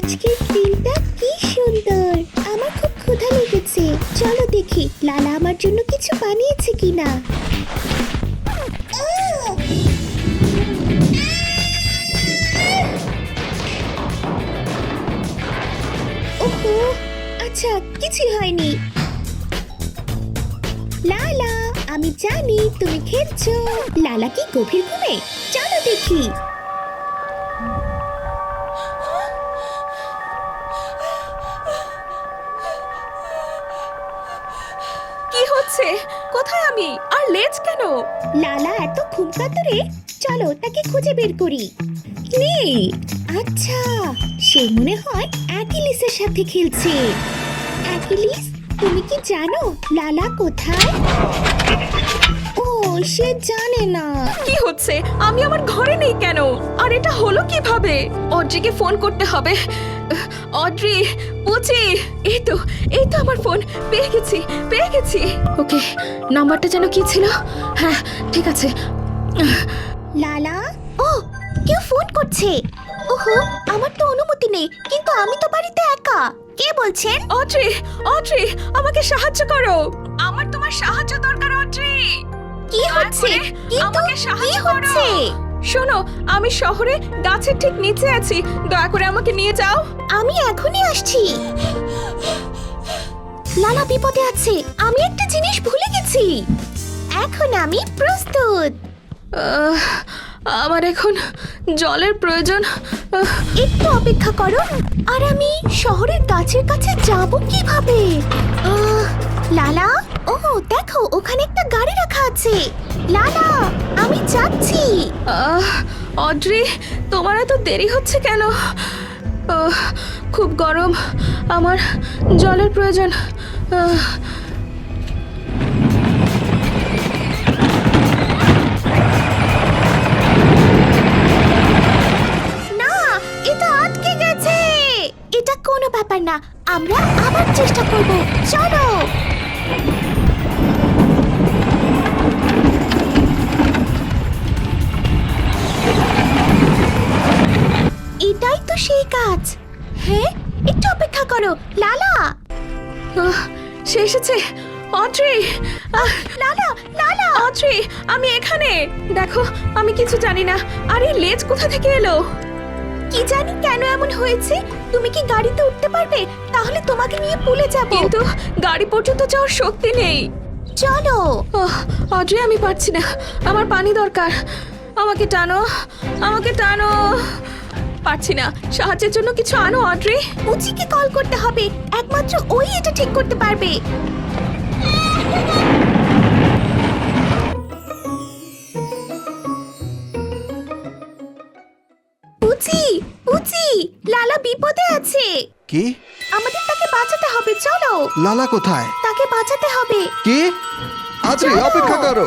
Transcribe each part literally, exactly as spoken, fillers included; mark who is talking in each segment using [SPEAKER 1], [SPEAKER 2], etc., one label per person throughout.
[SPEAKER 1] আজকের দিনটা কি সুন্দর। আমার খুব ক্ষুধা লেগেছে, চলো দেখি লালা আমার জন্য কিছু বানিয়েছে কিনা। ওহো, আচ্ছা কিছুই হয়নি। লালা, আমি জানি তুমি খেলছো। লালা কি গভীর ঘুমে? চলো দেখি।
[SPEAKER 2] কি হচ্ছে? কোথায় আমি? আর লেজ কেন?
[SPEAKER 1] লালা এত ঘুম কাতরে, চলো তাকে খুঁজে বের করি। নেই। আচ্ছা, সে মনে হয় অ্যাকিলিসের সাথে খেলছে। অ্যাকিলিস, তুমি কি জানো লালা কোথায়? ও, সে জানে না।
[SPEAKER 2] কি হচ্ছে? আমি আমার ঘরে নেই কেন? আর এটা হলো কিভাবে? অড্রিকে ফোন করতে হবে। অড্রি, পুচি, এই তো এই তো আমার ফোন পেয়ে গেছি পেয়ে গেছি ওকে, নাম্বারটা যেন কি ছিল? হ্যাঁ, ঠিক আছে।
[SPEAKER 1] লালা, ও কেউ ফোন করছে। ওহো, আমার তো অনুমতি নেই, কিন্তু আমি তো বাড়িতে একা। কে বলছেন?
[SPEAKER 2] অড্রি, অড্রি, আমাকে সাহায্য করো। আমার তোমার সাহায্য দরকার অড্রি।
[SPEAKER 1] কি হচ্ছে? কিন্তু
[SPEAKER 2] আমাকে
[SPEAKER 1] কি
[SPEAKER 2] সাহায্য
[SPEAKER 1] হচ্ছে?
[SPEAKER 2] শোনো, আমি শহরে গাছের ঠিক নিচে আছি, দয়া করে আমাকে নিয়ে যাও।
[SPEAKER 1] আমি এখনই আসছি। লালা বিপদে আছে, আমি একটা জিনিস ভুলে গেছি। এখন আমি প্রস্তুত।
[SPEAKER 2] আহ, আমার এখন জলের প্রয়োজন। আহ,
[SPEAKER 1] একটু অপেক্ষা করো, আর আমি শহরের গাছের কাছে যাব কিভাবে? আহ, লালা, ও দেখো ওখানে একটা গাড়ি রাখা আছে। লালা, আমি যাচ্ছি।
[SPEAKER 2] আহ, অড্রি, তোমার এত দেরি হচ্ছে কেন? আহ, খুব গরম, আমার জলের প্রয়োজন। আহ,
[SPEAKER 1] না, এটা আটকে গেছে। এটা কোনো ব্যাপার না, আমরা আবার চেষ্টা করব। চলো। এটাই তো সেই কাজ। হ্যাঁ, একটু অপেক্ষা করো লালা।
[SPEAKER 2] আহ, সে এসেছে। অড্রি, আহ,
[SPEAKER 1] লালা, লালা,
[SPEAKER 2] অড্রি, আমি এখানে। দেখো, আমি কিছু জানি না। আর এই লেজ কোথা থেকে এলো?
[SPEAKER 1] কি জানি কেন এমন হয়েছে। তুমি কি গাড়িতে উঠতে পারবে? তাহলে তোমাকে নিয়ে পুলে যাব।
[SPEAKER 2] কিন্তু গাড়ি পর্যন্ত যাওয়ার শক্তি নেই।
[SPEAKER 1] চলো।
[SPEAKER 2] ওহ, অড্রি, আমি পারছি না, আমার পানি দরকার। আমাকে টানো, আমাকে টানো। পারছি না, সাহায্যের জন্য কিছু আনো অড্রি।
[SPEAKER 1] পুচিকে কল করতে হবে, একমাত্র ওই এটা ঠিক করতে পারবে। পুচি, পুচি, লালা বিপদে আছে।
[SPEAKER 3] কি?
[SPEAKER 1] আমাদের তাকে বাঁচাতে হবে, চলো।
[SPEAKER 3] লালা কোথায়?
[SPEAKER 1] তাকে বাঁচাতে হবে।
[SPEAKER 3] কি? আদ্রি,
[SPEAKER 1] চলো।
[SPEAKER 3] অপেক্ষা করো।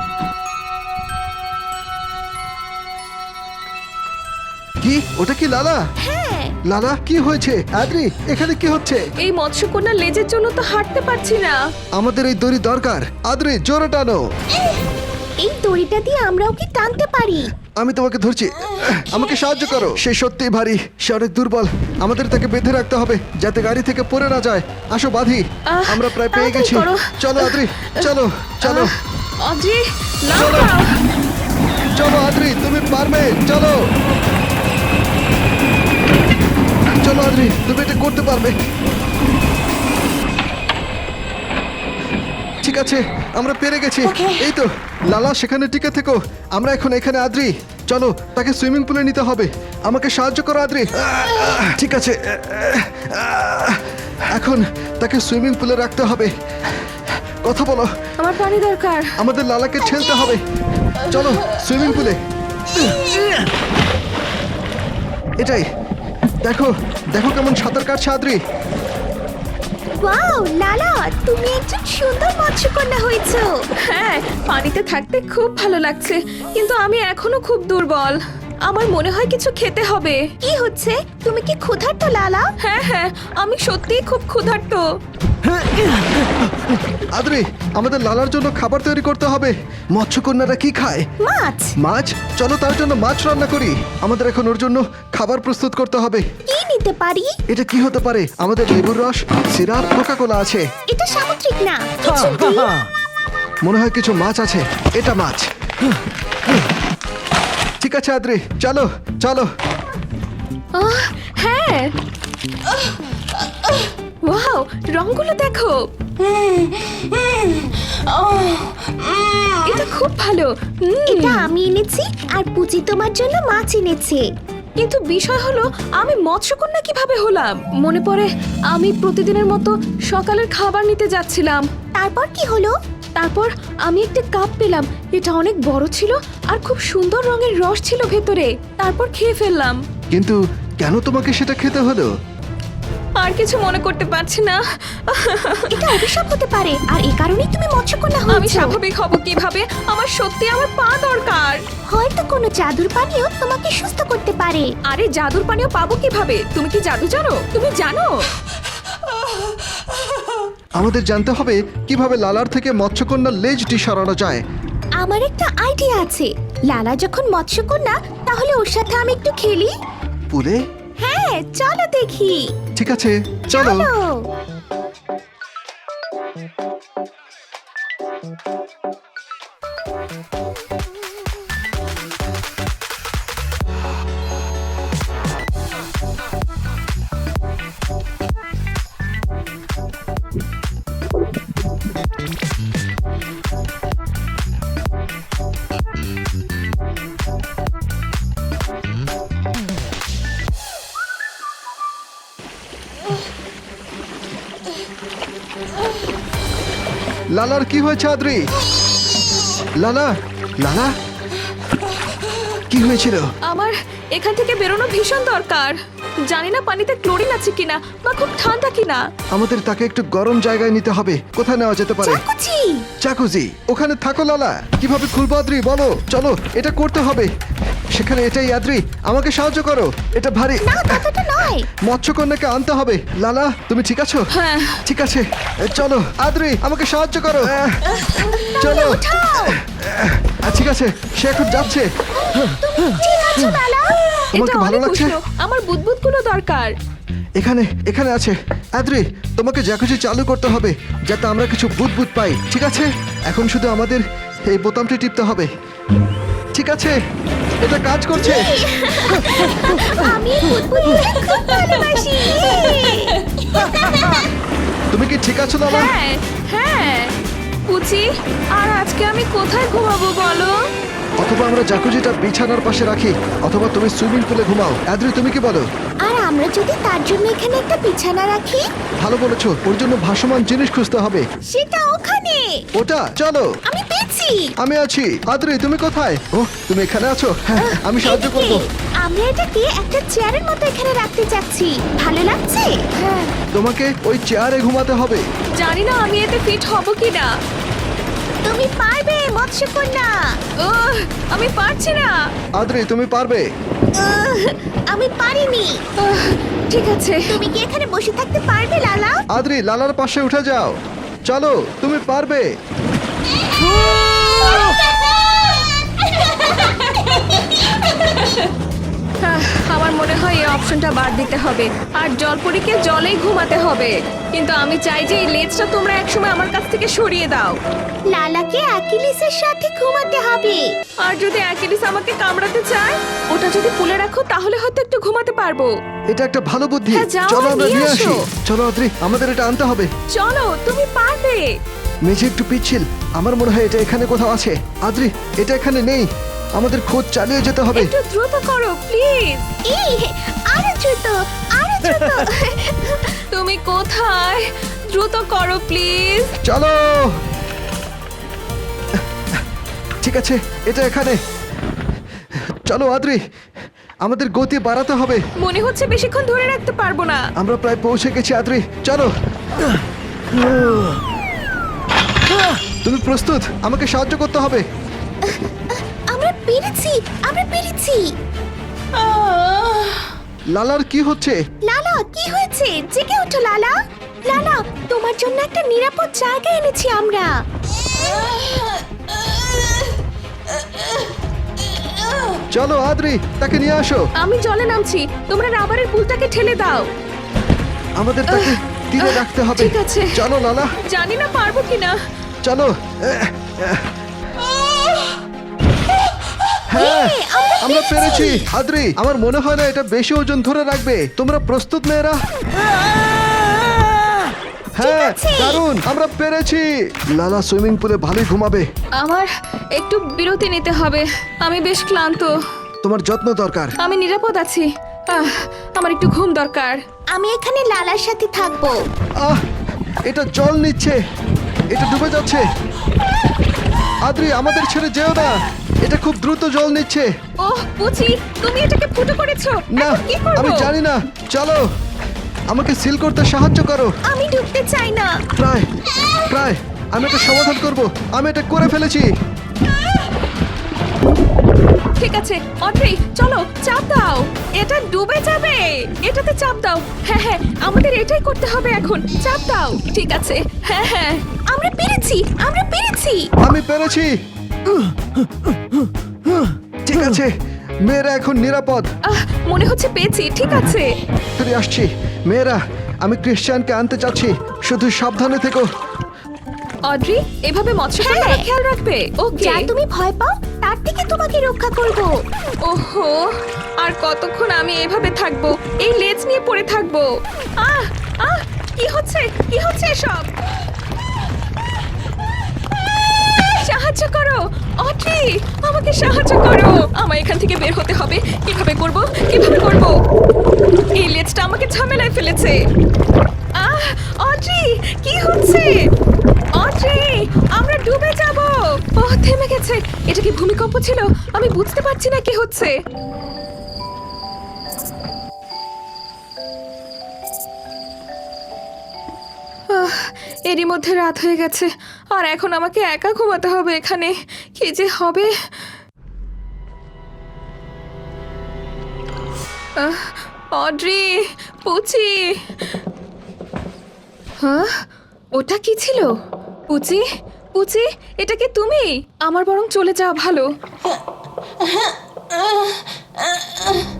[SPEAKER 3] কি? ওটা কি লালা?
[SPEAKER 1] হ্যাঁ।
[SPEAKER 3] লালা, কি হয়েছে? আদ্রি, এখানে কি হচ্ছে?
[SPEAKER 2] এই মৎস্যকন্যার লেজের জন্য তো হাঁটতে পারছি না।
[SPEAKER 3] আমাদের এই দড়ি দরকার। আদ্রি, জোরে টানো।
[SPEAKER 1] এই দড়িটা দিয়ে আমরা ওকে টানতে পারি।
[SPEAKER 3] আমি তোমাকে ধরছি, আমাকে সাহায্য করো। সে সত্যিই ভারী, সে অনেক দুর্বল। আমাদের তাকে বেঁধে রাখতে হবে যাতে গাড়ি থেকে পড়ে না যায়। আসো বাঁধি।
[SPEAKER 2] আহ,
[SPEAKER 3] আমরা প্রায় পেয়ে
[SPEAKER 2] তাড়াতাড়ি
[SPEAKER 3] গেছি।
[SPEAKER 2] করো।
[SPEAKER 3] চলো আদ্রি, চলো চলো
[SPEAKER 2] আহ, অড্রি, নাও
[SPEAKER 3] চলো।
[SPEAKER 2] নাও।
[SPEAKER 3] চলো আদ্রি, তুমি পারবে। চলো চলো আদ্রি, তুমি এটা করতে পারবে। ঠিক আছে, আমরা পেরে গেছি।
[SPEAKER 1] Okay.
[SPEAKER 3] এই তো লালা, সেখানে টিকে থেকো। আমরা এখন এখানে। আদ্রি, চলো তাকে সুইমিং পুলে নিতে হবে। আমাকে সাহায্য করো আদ্রি। ঠিক আছে, এখন তাকে সুইমিং পুলে রাখতে হবে। কথা বলো।
[SPEAKER 2] আমার পানি দরকার।
[SPEAKER 3] আমাদের লালাকে ঠেলতে হবে। চলো সুইমিং পুলে। এটাই, দেখো দেখো কেমন সাঁতার কাটছে আদ্রি।
[SPEAKER 1] ওয়াও, লালা, তুমি একজন সুন্দর মৎস্যকন্যা হয়েছো।
[SPEAKER 2] হ্যাঁ, পানিতে থাকতে খুব ভালো লাগছে, কিন্তু আমি এখনো খুব দুর্বল। আমার মনে হয় কিছু খেতে হবে।
[SPEAKER 1] কি হচ্ছে? তুমি কি ক্ষুধার্ত লালা?
[SPEAKER 2] হ্যাঁ হ্যাঁ, আমি সত্যিই খুব ক্ষুধার্ত।
[SPEAKER 3] আদ্রি, আমাদের লালার জন্য খাবার তৈরি করতে হবে। মৎস্যকন্যারা কি খায়?
[SPEAKER 1] মাছ।
[SPEAKER 3] মাছ? চলো তার জন্য মাছ রান্না করি। আমাদের এখন ওর জন্য খাবার প্রস্তুত করতে হবে।
[SPEAKER 1] কি নিতে পারি?
[SPEAKER 3] এটা কি হতে পারে? আমাদের লেবুর রস, সিরাপ, কোকা কোলা আছে।
[SPEAKER 1] এটা সামুদ্রিক না, কিছু দিই।
[SPEAKER 3] মনে হয় কিছু মাছ আছে। এটা মাছ। ঠিক আছে আদ্রি, চলো চলো।
[SPEAKER 2] আহ, হ্যাঁ। ওয়াও, রংগুলো দেখো। এটা খুব ভালো। উম,
[SPEAKER 1] এটা আমি এনেছি আর পুচি তোমার জন্য মাছ এনেছে।
[SPEAKER 2] কিন্তু বিষয় হলো আমি মৎস্যকন্যা কিভাবে হলাম? মনে পড়ে আমি প্রতিদিনের মতো সকালের খাবার নিতে যাচ্ছিলাম।
[SPEAKER 1] তারপর কি হলো?
[SPEAKER 2] তারপর আমি একটা কাপ পেলাম। এটা অনেক বড় ছিল আর খুব সুন্দর রঙের রস ছিল ভেতরে। তারপর খেয়ে ফেললাম।
[SPEAKER 3] কিন্তু কেন তোমাকে সেটা খেতে হলো?
[SPEAKER 2] আর কিছু মনে করতে পারছি না।
[SPEAKER 1] এটা অভিশাপ হতে পারে আর এই কারণেই তুমি মৎস্যকন্যা
[SPEAKER 2] আমি
[SPEAKER 1] হয়েছো।
[SPEAKER 2] স্বাভাবিক হব কিভাবে? আমার সত্যি আমার পা দরকার।
[SPEAKER 1] হয়তো কোনো জাদুর পানীয় তোমাকে সুস্থ করতে পারে।
[SPEAKER 2] আরে জাদুর পানীয় পাবো কিভাবে? তুমি কি জাদু জানো? তুমি জানো?
[SPEAKER 3] আমাদের জানতে হবে কিভাবে লালার থেকে মৎস্যকন্যার লেজটি সরানো যায়।
[SPEAKER 1] আমার একটা আইডিয়া আছে। লালা যখন মৎস্যকন্যা, তাহলে ওর সাথে আমি একটু খেলি।
[SPEAKER 3] পুলে?
[SPEAKER 1] হ্যাঁ, চলো দেখি।
[SPEAKER 3] ঠিক আছে, চলো।
[SPEAKER 1] চলো।
[SPEAKER 3] লালার কি হয়েছে আদ্রি? লালা, লালা, কি হয়েছিল?
[SPEAKER 2] আমার এখান থেকে বেরোনো ভীষণ দরকার। জানি না পানিতে ক্লোরিন আছে কিনা বা খুব ঠান্ডা কিনা।
[SPEAKER 3] আমাদের তাকে একটু গরম জায়গায় নিতে হবে। কোথায় নেওয়া যেতে পারে?
[SPEAKER 1] চাকুচি।
[SPEAKER 3] চাকুজি, ওখানে থাকো লালা। কিভাবে খুলবো আদ্রি, বলো। চলো, এটা করতে হবে। সেখানে এটাই আদ্রি, আমাকে সাহায্য করো। এটা ভারী।
[SPEAKER 1] না, ততটা নয়।
[SPEAKER 3] মৎস্যকন্যাকে আনতে হবে। লালা, তুমি ঠিক আছো?
[SPEAKER 2] হ্যাঁ।
[SPEAKER 3] ঠিক আছে, এ, চলো আদ্রি, আমাকে সাহায্য করো। আহ, চলো।
[SPEAKER 1] উঠাও।
[SPEAKER 3] আহ, ঠিক আছে, সে এখন যাচ্ছে।
[SPEAKER 1] ঠিক আছে লালা।
[SPEAKER 3] তোমাকে
[SPEAKER 2] এটা
[SPEAKER 3] ভালো
[SPEAKER 2] অনেক
[SPEAKER 3] লাগছে?
[SPEAKER 2] উষ্ণ। আমার বুদবুদগুলো দরকার।
[SPEAKER 3] এখানে এখানে আছে। আদ্রি, তোমাকে জ্যাকুজি চালু করতে হবে যাতে আমরা কিছু বুদবুদ পাই। ঠিক আছে, এখন শুধু আমাদের এই বোতামটি টিপতে হবে। ঠিক আছে, এটা কাজ করছে।
[SPEAKER 1] আমি বুদবুদকে খুব ভালোবাসি।
[SPEAKER 3] তুমি কি ঠিক আছো লালা?
[SPEAKER 2] হ্যাঁ হ্যাঁ। পুচি, আর আজকে আমি কোথায় ঘুমাবো বলো?
[SPEAKER 3] অথবা আমরা জ্যাকুজিটা বিছানার পাশে রাখি, অথবা তুমি সুইমিং পুলে ঘুমাও। আদ্রি, তুমি কি বলো?
[SPEAKER 1] আর আমরা যদি তার জন্য এখানে একটা বিছানা রাখি?
[SPEAKER 3] ভালো বলেছো, ওর জন্য ভাসমান জিনিস খুঁজতে হবে।
[SPEAKER 1] সেটা ওখানে।
[SPEAKER 3] ওটা, চলো।
[SPEAKER 1] আমি পেয়েছি।
[SPEAKER 3] আমি আছি। আদ্রি, তুমি কোথায়? ও, তুমি এখানে আছো। হ্যাঁ, আমি সাহায্য
[SPEAKER 1] এদিকে।
[SPEAKER 3] করবো।
[SPEAKER 1] আমরা এটাকে একটা চেয়ারের মতো এখানে রাখতে চাচ্ছি। ভালো লাগছে?
[SPEAKER 2] হ্যাঁ।
[SPEAKER 3] তোমাকে ওই চেয়ারে ঘুমাতে হবে।
[SPEAKER 2] জানি না আমি এতে ফিট হব কিনা।
[SPEAKER 1] তুমি পারবে মৎস্যকন্যা।
[SPEAKER 2] ওহ, আমি পারছি না।
[SPEAKER 3] আদ্রি, তুমি পারবে।
[SPEAKER 1] উহ, আমি পারিনি।
[SPEAKER 2] আহ, ঠিক আছে।
[SPEAKER 1] তুমি কি এখানে বসে থাকতে পারবে লালা?
[SPEAKER 3] আদ্রি, লালার পাশে উঠে যাও। চলো, তুমি পারবে।
[SPEAKER 2] আহ, আমার মনে হয় এই অপশনটা বাদ দিতে হবে আর জলপরীকে জলেই ঘুমাতে হবে। কিন্তু আমি চাই যে এই লেজটা তোমরা একসময় আমার কাছ থেকে সরিয়ে দাও।
[SPEAKER 1] লালাকে অ্যাকিলিসের সাথে ঘুমাতে হবে।
[SPEAKER 2] আর যদি অ্যাকিলিস আমাকে কামড়াতে চায়, ওটা যদি পুলে রাখো তাহলে হয়তো একটু ঘুমাতে পারবো।
[SPEAKER 3] এটা একটা ভালো বুদ্ধি।
[SPEAKER 2] হ্যাঁ, যাও,
[SPEAKER 3] চলো আমরা
[SPEAKER 2] নিয়ে
[SPEAKER 3] নিয়ে
[SPEAKER 2] আসো।
[SPEAKER 3] আসি। চলো আদ্রি, আমাদের এটা আনতে হবে।
[SPEAKER 2] চলো, তুমি পারবে।
[SPEAKER 3] মেঝে একটু পিচ্ছিল, আমার মনে হয় এটা এখানে কোথাও আছে। আদ্রি, এটা এখানে নেই। আমাদের খোঁজ চালিয়ে যেতে হবে।
[SPEAKER 2] একটু দ্রুত করো প্লিজ।
[SPEAKER 1] এই, আরো দ্রুত, আরো দ্রুত।
[SPEAKER 2] তুমি কোথায়? দ্রুত করো প্লিজ।
[SPEAKER 3] চলো। ঠিক আছে, এটা এখানে। চলো আদ্রি, আমাদের গতি বাড়াতে হবে।
[SPEAKER 2] মনে হচ্ছে বেশিক্ষণ ধরে রাখতে পারবো না।
[SPEAKER 3] আমরা প্রায় পৌঁছে গেছি আদ্রি, চলো। তুমি প্রস্তুত? আমাকে সাহায্য করতে হবে।
[SPEAKER 1] আমরা পেরেছি, আমরা পেরেছি।
[SPEAKER 3] লালার কি হচ্ছে?
[SPEAKER 1] লালা কি হয়েছে? জেগে ওঠো লালা। লালা, তোমার জন্য একটা নিরাপদ জায়গা এনেছি আমরা।
[SPEAKER 3] চলো আদ্রি, তাকে নিয়ে আসো।
[SPEAKER 2] আমি জলে নামছি, তোমরা রাবারের পুলটাকে ঠেলে দাও।
[SPEAKER 3] আমাদের তাকে তীরে রাখতে হবে।
[SPEAKER 2] ঠিক আছে।
[SPEAKER 3] চলো লালা,
[SPEAKER 2] জানি না পারবো কিনা।
[SPEAKER 3] চলো। হ্যাঁ, আমরা পেরেছি। আদ্রি, আমার মনে হয় না এটা বেশি ওজন ধরে রাখবে। তোমরা প্রস্তুত মেয়েরা? হ্যাঁ, দারুণ, আমরা পেরেছি। লালা সুইমিং পুলে ভালোই ঘুমাবে।
[SPEAKER 2] আমার একটু বিরতি নিতে হবে, আমি বেশ ক্লান্ত।
[SPEAKER 3] তোমার যত্ন দরকার।
[SPEAKER 2] আমি নিরাপদ আছি। আহ, আমার একটু ঘুম দরকার।
[SPEAKER 1] আমি এখানে লালার সাথে থাকবো।
[SPEAKER 3] আহ, এটা জল নিচ্ছে, এটা ডুবে যাচ্ছে। আদ্রি, আমাদের ছেড়ে যেও না, এটা খুব দ্রুত জল নিচ্ছে।
[SPEAKER 2] ওহ পুচি, তুমি এটাকে ফুটো করেছো।
[SPEAKER 3] না,
[SPEAKER 2] এখন কি করব?
[SPEAKER 3] আমি জানি না। চলো, আমাকে সিল করতে সাহায্য করো।
[SPEAKER 1] আমি ডুবতে চাই না।
[SPEAKER 3] প্রায় প্রায় আমি এটা সমাধান করব। আমি এটা করে ফেলেছি।
[SPEAKER 2] ঠিক আছে অড্রি, চলো চাপ দাও। এটা ডুবে যাবে, এটাতে চাপ দাও। হ্যাঁ হ্যাঁ, আমাদের এটাই করতে হবে এখন। চাপ দাও। ঠিক আছে, হ্যাঁ হ্যাঁ।
[SPEAKER 1] আমরা পেরেছি, আমরা পেরেছি।
[SPEAKER 3] আমি পেরেছি। ঠিক আছে, মেয়েরা এখন নিরাপদ।
[SPEAKER 2] আহ, মনে হচ্ছে পেয়েছি। ঠিক আছে।
[SPEAKER 3] ফিরে আসছি। মেয়েরা, আমি ক্রিশ্চিয়ানকে আনতে চাচ্ছি, শুধু সাবধানে থেকো।
[SPEAKER 2] অড্রি, এভাবে মৎস্য
[SPEAKER 1] হ্যাঁ।
[SPEAKER 2] কন্যারা খেয়াল রাখবে। ওকে।
[SPEAKER 1] যা তুমি ভয় পাও তার থেকে তোমাকে রক্ষা করব।
[SPEAKER 2] ওহো, আর কতক্ষণ আমি এভাবে থাকবো? এই লেজ নিয়ে পড়ে থাকবো। আহ আহ, কি হচ্ছে? কি হচ্ছে এসব? সাহায্য করো অড্রি, আমাকে সাহায্য করো। আমায় এখান থেকে বের হতে হবে। কিভাবে করব? কিভাবে করব? এই লেজটা আমাকে ঝামেলায় ফেলেছে। আহ অড্রি, কি হচ্ছে? অড্রি, আমরা ডুবে যাব। ও থেমে গেছে। এটা কি ভূমিকম্প ছিল? আমি বুঝতে পারছি না কি হচ্ছে। আহ, এরই মধ্যে রাত হয়ে গেছে, আর এখন আমাকে একা ঘুমাতে হবে এখানে। কি যে হবে। আহ, অড্রি, পুচি। হ্যাঁ, ওটা কি ছিল? পুচি, পুচি, এটা কি তুমি? আমার বরং চলে যাওয়া ভালো।